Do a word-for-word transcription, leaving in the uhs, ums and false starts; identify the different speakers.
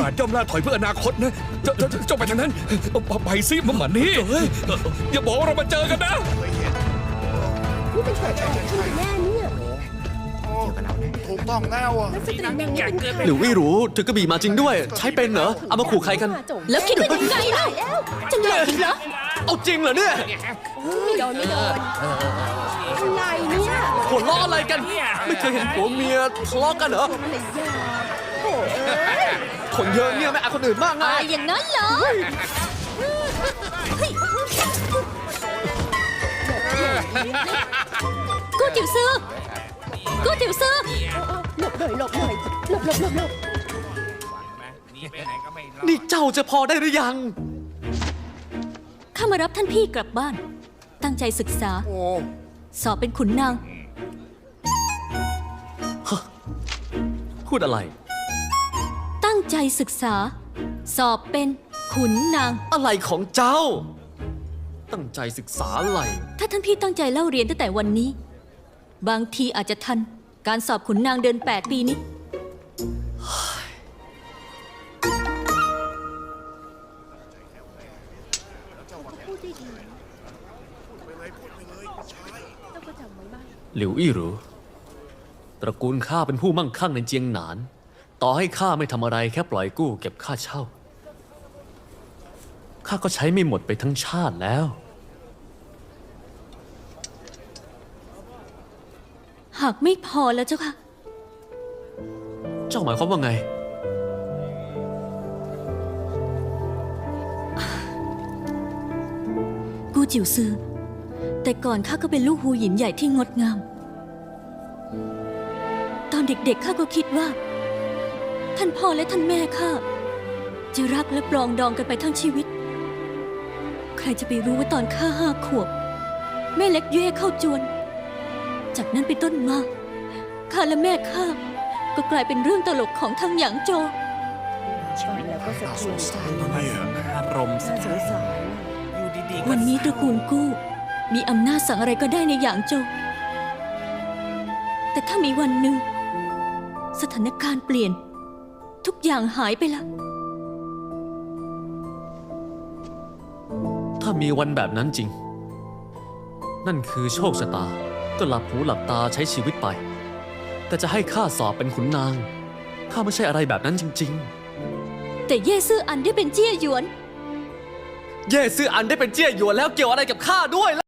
Speaker 1: าสย่อมล่าถอยเพื่ออนาคตนะเจ้าเจ้าเจ้าไปทางนั้นไปซิมาหมันนี่อย่าบอกว่าเรามาเจอกันนะ
Speaker 2: นี่เป็นเกิดอะไรขึ้นแน่เนี่ย
Speaker 3: ถูกต้องแล้วอ่ะ
Speaker 2: นักสตรีนางนี้เป็นใคร
Speaker 4: หรือไม่รู้ถือกระบี่มาจริงด้วย ใช้เป็นเหรอเอามาขู่ใครกัน
Speaker 2: แล้วคิดว่ายังไงล่ะจะหลอกอีกเหรอ
Speaker 4: เอาจริงเหรอเนี่ย
Speaker 2: ไม่โดนไม่โดนอะไรเนี่ย
Speaker 4: หัวล้ออะไรกัน ไม่เคยเห็นผัวเมียทะเลาะกันเหรอ
Speaker 2: อะไรยาโอ้เอ้ย
Speaker 4: คนเยอะเนี่ยไม่เอาคนอื่นมากไง
Speaker 2: ตายอย่างนั้นเหรอกูจิ๋วซื้อกูจิ๋วซื้อหลบหน่อยหลบหน่อยหลบหลบหลบหลบ
Speaker 4: นี่เจ้าจะพอได้หรือยัง
Speaker 2: ข้ามารับท่านพี่กลับบ้าน ตั้งใจศึกษา
Speaker 3: โอ้
Speaker 2: สอบเป็นขุนนาง
Speaker 4: พูดอะไร
Speaker 2: ตั้งใจศึกษา สอบเป็นขุนนาง
Speaker 4: อะไรของเจ้า ตั้งใจศึกษาอะไร
Speaker 2: ถ้าท่านพี่ตั้งใจเล่าเรียนตั้งแต่วันนี้ บางทีอาจจะทันการสอบขุนนางเดินแปดปีนี้
Speaker 4: หลิวอี้หรูตระกูลข้าเป็นผู้มั่งคั่งในเจียงหนาน ต่อให้ข้าไม่ทำอะไรแค่ปล่อยกู้เก็บค่าเช่า ข้าก็ใช้ไม่หมดไปทั้งชาติแล้ว
Speaker 2: หากไม่พอแล้วเจ้าค่ะ
Speaker 4: เจ้าหมายความว่าไง
Speaker 2: กูจิ๋วซือ แต่ก่อนข้าก็เป็นลูกหูหยินใหญ่ที่งดงาม ตอนเด็กๆข้าก็คิดว่า ท่านพ่อและท่านแม่ข้าจะรักและปรองดองกันไปทั้งชีวิต ใครจะไปรู้ว่าตอนข้าห้าขวบ แม่เล็กเย่เข้าจวน จากนั้นเป็นต้นมาข้าและแม่ข้าก็กลายเป็นเรื่องตลกของทั้งหยางโจว
Speaker 5: แล้วก็สะเทือนใจ
Speaker 4: อารมณ์
Speaker 5: น่าสงสาร
Speaker 2: วันนี้ตระกูลกู้มีอำนาจสั่งอะไรก็ได้ในหยางโจวแต่ถ้ามีวันหนึ่ง สถานการณ์เปลี่ยน ทุกอย่างหายไปละ
Speaker 4: ถ้ามีวันแบบนั้นจริง นั่นคือโชคชะตา ก็หลับหูหลับตาใช้ชีวิตไป แต่จะให้ข้าสอบเป็นขุนนาง ข้าไม่ใช่อะไรแบบนั้นจริง
Speaker 2: แต่เย่ซื่ออันได้เป็นเจี้ยหยวน
Speaker 4: ๆ เย่ซื่ออันได้เป็นเจี้ยหยวนแล้วเกี่ยวอะไรกับข้าด้วยล่ะ